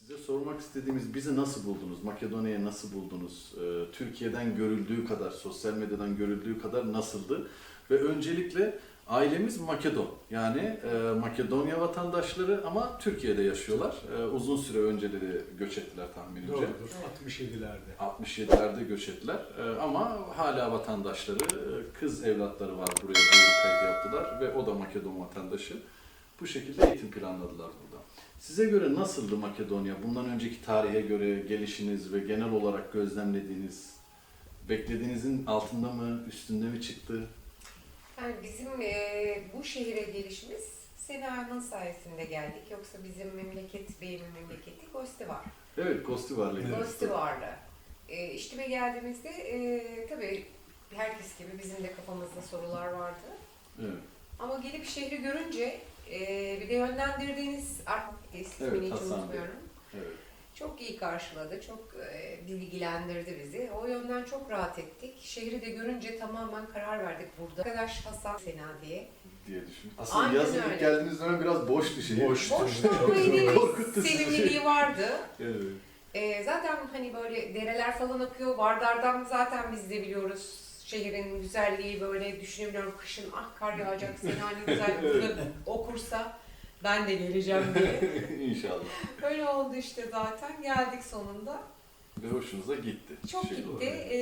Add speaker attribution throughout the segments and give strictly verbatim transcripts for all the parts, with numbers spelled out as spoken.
Speaker 1: Size sormak istediğimiz, bizi nasıl buldunuz? Makedonya'yı nasıl buldunuz? Ee, Türkiye'den görüldüğü kadar, sosyal medyadan görüldüğü kadar nasıldı? Ve öncelikle ailemiz Makedon. Yani e, Makedonya vatandaşları ama Türkiye'de yaşıyorlar. E, uzun süre önceleri göç ettiler tahminimce.
Speaker 2: Doğrudur. altmış yedilerde.
Speaker 1: altmış yedilerde göç ettiler. E, ama hala vatandaşları, e, kız evlatları var, buraya duyuru kaydı yaptılar ve o da Makedon vatandaşı. Bu şekilde eğitim planladılar burada. Size göre nasıldı Makedonya? Bundan önceki tarihe göre gelişiniz ve genel olarak gözlemlediğiniz, beklediğinizin altında mı, üstünde mi çıktı?
Speaker 3: Yani bizim e, bu şehire gelişimiz Sena'nın sayesinde geldik. Yoksa bizim memleket, beyimin memleketi Gostivar.
Speaker 1: Evet, Kostivar'la ilgili.
Speaker 3: Gostivar'la. E, İşte geldiğimizde e, tabii herkes gibi bizim de kafamızda sorular vardı.
Speaker 1: Evet.
Speaker 3: Ama gelip şehri görünce e, bir de yönlendirdiğiniz ismini
Speaker 1: Evet,
Speaker 3: hiç
Speaker 1: Hasan Bey.
Speaker 3: unutmuyorum.
Speaker 1: Evet.
Speaker 3: Çok iyi karşıladı, çok e, bilgilendirdi bizi. O yönden çok rahat ettik. Şehri de görünce tamamen karar verdik burada. Arkadaş Hasan Sena diye.
Speaker 1: diye düşün. Aslında
Speaker 3: Aynen
Speaker 1: yazın ilk
Speaker 3: öyle.
Speaker 1: geldiğiniz dönem biraz boştu şehir.
Speaker 2: Boştu.
Speaker 3: Boşta
Speaker 2: Çok
Speaker 3: ama yine
Speaker 1: korkuttu
Speaker 3: bir
Speaker 1: sizi.
Speaker 3: sevimliliği vardı.
Speaker 1: Evet.
Speaker 3: E, zaten hani böyle dereler falan akıyor. Vardar'dan zaten biz de biliyoruz. Şehrin güzelliği böyle düşünebiliyorum. Kışın ah kar yağacak, Sena ne güzel burada okursa ben de geleceğim diye.
Speaker 1: İnşallah.
Speaker 3: Öyle oldu işte zaten. Geldik sonunda.
Speaker 1: Ve hoşunuza gitti.
Speaker 3: Çok
Speaker 1: Şehir
Speaker 3: gitti.
Speaker 1: olarak.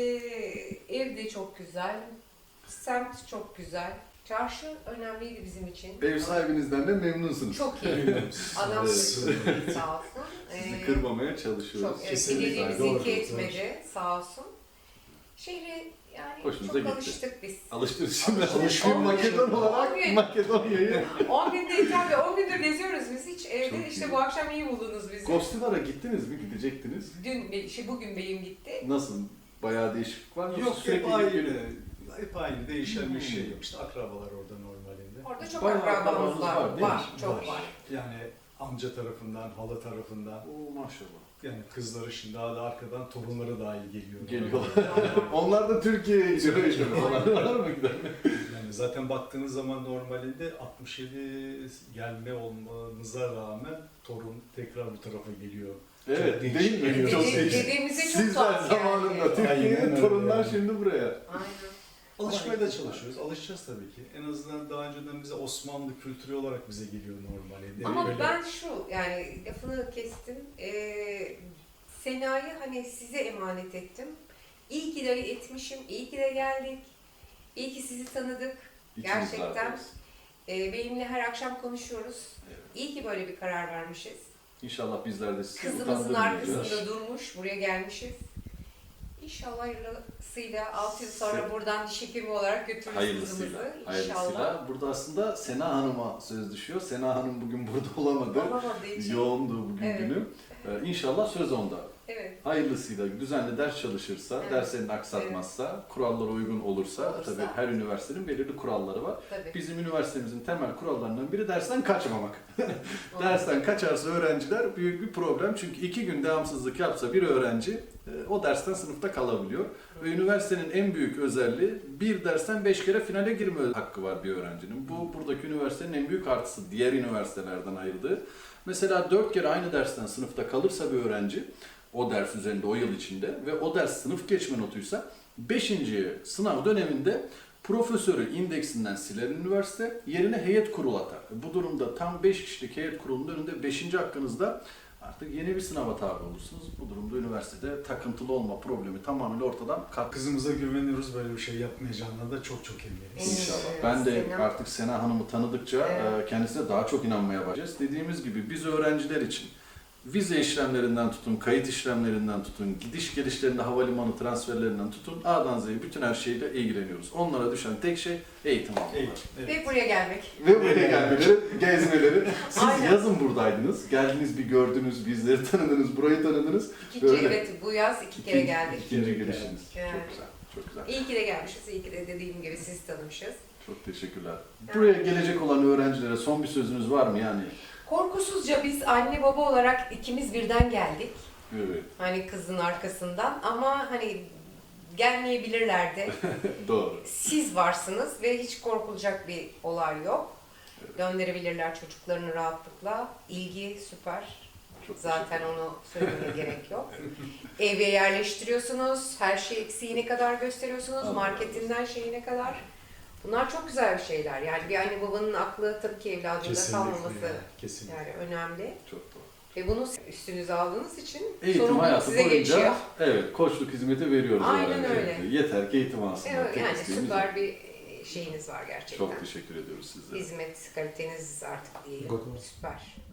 Speaker 3: Ee, ev de çok güzel. Semt çok güzel. Çarşı önemliydi bizim için.
Speaker 1: Ev sahibinizden de memnunsunuz.
Speaker 3: Çok iyi. Adam
Speaker 1: Evet.
Speaker 3: sağ olsun.
Speaker 1: Sizi
Speaker 3: Ee,
Speaker 1: kırmamaya çalışıyoruz.
Speaker 3: Çok evet,
Speaker 2: Kesinlikle.
Speaker 3: dilediğimizi
Speaker 2: Doğru,
Speaker 3: iki
Speaker 2: doğru.
Speaker 3: etmedi sağ olsun. Şehre yani
Speaker 1: Hoşunuza
Speaker 3: çok
Speaker 1: gitti.
Speaker 3: alıştık biz.
Speaker 1: Alıştınız şimdi.
Speaker 3: Alıştık.
Speaker 1: Alışkın
Speaker 3: On gün-
Speaker 1: Makedon
Speaker 3: on
Speaker 1: olarak
Speaker 3: gün.
Speaker 1: Makedonya'yı.
Speaker 3: on günde tabii on gündür geziyoruz biz hiç evde.
Speaker 1: Çok
Speaker 3: işte
Speaker 1: iyi.
Speaker 3: bu akşam iyi buldunuz bizi.
Speaker 1: Kostivar'a gittiniz mi? Gidecektiniz.
Speaker 3: Dün, şey, bugün beyim gitti.
Speaker 1: Nasıl? Bayağı değişiklik var mı?
Speaker 2: Yok
Speaker 1: Sürekli
Speaker 2: hep aynı.
Speaker 1: gidip-
Speaker 2: Hep aynı. Değişen
Speaker 1: Hmm.
Speaker 2: bir şey yok. İşte akrabalar orada normalinde.
Speaker 3: Orada çok
Speaker 1: Bayağı
Speaker 3: akrabamız
Speaker 1: akrabamız
Speaker 3: var.
Speaker 1: var,
Speaker 3: Var,
Speaker 1: değil mi?
Speaker 3: çok
Speaker 2: Var.
Speaker 3: var.
Speaker 2: Yani amca tarafından, hala tarafından.
Speaker 1: Oo maşallah.
Speaker 2: Yani kızları şimdi daha da arkadan torunları dahil geliyor.
Speaker 1: Geliyorlar. Onlar da Türkiye'ye gidiyor işte falan. Var mı gider?
Speaker 2: Yani zaten baktığınız zaman normalinde altmış yedi gelme olmamıza rağmen torun tekrar bu tarafa geliyor.
Speaker 1: Evet,
Speaker 2: değişik
Speaker 1: değil mi?
Speaker 2: geliyor.
Speaker 1: Çok
Speaker 3: Dede-
Speaker 1: değişik.
Speaker 3: dedemize çok
Speaker 1: Sizler
Speaker 3: tuhaf geldi.
Speaker 1: zamanında
Speaker 2: Aynen
Speaker 1: Türkiye'nin
Speaker 2: öyle
Speaker 1: torunlar
Speaker 2: yani.
Speaker 1: şimdi buraya.
Speaker 3: Aynen.
Speaker 2: Alışmaya da çalışıyoruz. Alışacağız tabii ki. En azından daha önceden bize Osmanlı kültürü olarak bize geliyor normalinde.
Speaker 3: Ama
Speaker 2: Öyle-
Speaker 3: ben şu, yani lafını kestim. Ee, Sena'yı hani size emanet ettim. İyi ki de etmişim, iyi ki de geldik. İyi ki sizi tanıdık.
Speaker 1: İkimiz
Speaker 3: Gerçekten.
Speaker 1: varız.
Speaker 3: Ee, benimle her akşam konuşuyoruz.
Speaker 1: Evet.
Speaker 3: İyi ki böyle bir karar vermişiz.
Speaker 1: İnşallah bizler de sizi
Speaker 3: Kızımızın
Speaker 1: utandırmayacağız.
Speaker 3: arkasında durmuş, buraya gelmişiz. İnşallah hayırlısıyla altı yıl sonra
Speaker 1: Se-
Speaker 3: buradan diş hekimi olarak götürürüz
Speaker 1: Hayırlısıyla.
Speaker 3: kızımızı.
Speaker 1: Hayırlısıyla.
Speaker 3: İnşallah.
Speaker 1: Burada aslında Sena Hanım'a söz düşüyor. Sena Hanım bugün burada olamadı.
Speaker 3: Olamadığı için.
Speaker 1: Yoğundu bugün
Speaker 3: Evet.
Speaker 1: günü. Ee, İnşallah söz onda.
Speaker 3: Evet.
Speaker 1: Hayırlısıyla düzenli ders çalışırsa,
Speaker 3: Evet.
Speaker 1: derslerini aksatmazsa, kurallara uygun olursa,
Speaker 3: Olursa.
Speaker 1: tabii her üniversitenin belirli kuralları var.
Speaker 3: Tabii.
Speaker 1: Bizim üniversitemizin temel kurallarından biri dersten kaçmamak. Dersten kaçarsa öğrenciler büyük bir problem. Çünkü iki gün devamsızlık yapsa bir öğrenci e, o dersten sınıfta kalabiliyor. Ve üniversitenin en büyük özelliği bir dersten beş kere finale girme hakkı var bir öğrencinin. Bu buradaki üniversitenin en büyük artısı diğer üniversitelerden ayırdığı. Mesela dört kere aynı dersten sınıfta kalırsa bir öğrenci o ders üzerinde o yıl içinde ve o ders sınıf geçme notuysa beşinci sınav döneminde profesörü indeksinden siler üniversite, yerine heyet kurulu atar. Bu durumda tam beş kişilik heyet kurulunun önünde beşinci hakkınızda artık yeni bir sınava tabi olursunuz. Bu durumda üniversitede takıntılı olma problemi tamamen ortadan kalkar.
Speaker 2: Kızımıza güveniyoruz, böyle bir şey yapmayacağına da çok çok eminiz.
Speaker 1: İnşallah.
Speaker 3: Evet,
Speaker 1: Ben de
Speaker 3: Sena.
Speaker 1: artık Sena Hanım'ı tanıdıkça
Speaker 3: Evet.
Speaker 1: e, kendisine daha çok inanmaya başlayacağız. Dediğimiz gibi biz öğrenciler için vize işlemlerinden tutun, kayıt işlemlerinden tutun, gidiş gelişlerinde havalimanı transferlerinden tutun, A'dan Z'ye bütün her şeyle ilgileniyoruz. Onlara düşen tek şey eğitim almaları.
Speaker 2: Evet, evet.
Speaker 3: Ve buraya gelmek.
Speaker 1: Ve buraya gelmeleri, gezmeleri. Siz
Speaker 3: Aynen.
Speaker 1: yazın buradaydınız. Geldiniz, bir gördünüz, bizleri tanıdınız, burayı tanıdınız.
Speaker 3: İkinci,
Speaker 1: Böyle.
Speaker 3: evet bu yaz iki kere geldik.
Speaker 1: İkinci gelişiniz.
Speaker 3: Evet.
Speaker 1: Çok güzel, çok güzel.
Speaker 3: İyi ki de gelmişiz, iyi ki de dediğim gibi sizi tanımışız.
Speaker 1: Çok teşekkürler. Buraya gelecek olan öğrencilere son bir sözünüz var mı yani?
Speaker 3: Korkusuzca biz anne baba olarak ikimiz birden geldik.
Speaker 1: Evet,
Speaker 3: Hani kızın arkasından ama hani gelmeyebilirler de.
Speaker 1: doğru.
Speaker 3: Siz varsınız ve hiç korkulacak bir olay yok.
Speaker 1: Evet.
Speaker 3: Gönderebilirler çocuklarını rahatlıkla. İlgi süper.
Speaker 1: Çok
Speaker 3: Zaten onu söylemeye gerek yok. Eve yerleştiriyorsunuz, her şey eksiğine kadar gösteriyorsunuz,
Speaker 1: Allah
Speaker 3: marketinden şeyine kadar. Bunlar çok güzel şeyler. Yani bir anne babanın aklı tabii ki evladında
Speaker 2: Kesinlikle.
Speaker 3: kalmaması
Speaker 2: Yani, kesinlikle.
Speaker 3: yani önemli.
Speaker 1: Çok doğru.
Speaker 3: Ve bunu üstünüze aldığınız için
Speaker 1: Eğitim
Speaker 3: sorumluluk
Speaker 1: hayatı
Speaker 3: size
Speaker 1: boyunca
Speaker 3: geçiyor.
Speaker 1: evet koçluk hizmeti veriyoruz
Speaker 3: Aynen
Speaker 1: öğrenciye.
Speaker 3: öyle.
Speaker 1: Yeter ki eğitim alsınlar.
Speaker 3: Evet,
Speaker 1: Tek
Speaker 3: yani
Speaker 1: isteğimiz
Speaker 3: süper
Speaker 1: o.
Speaker 3: bir şeyiniz var gerçekten.
Speaker 1: Çok teşekkür ediyoruz sizlere.
Speaker 3: Hizmet kaliteniz artık diyelim.
Speaker 2: Good.
Speaker 3: Süper.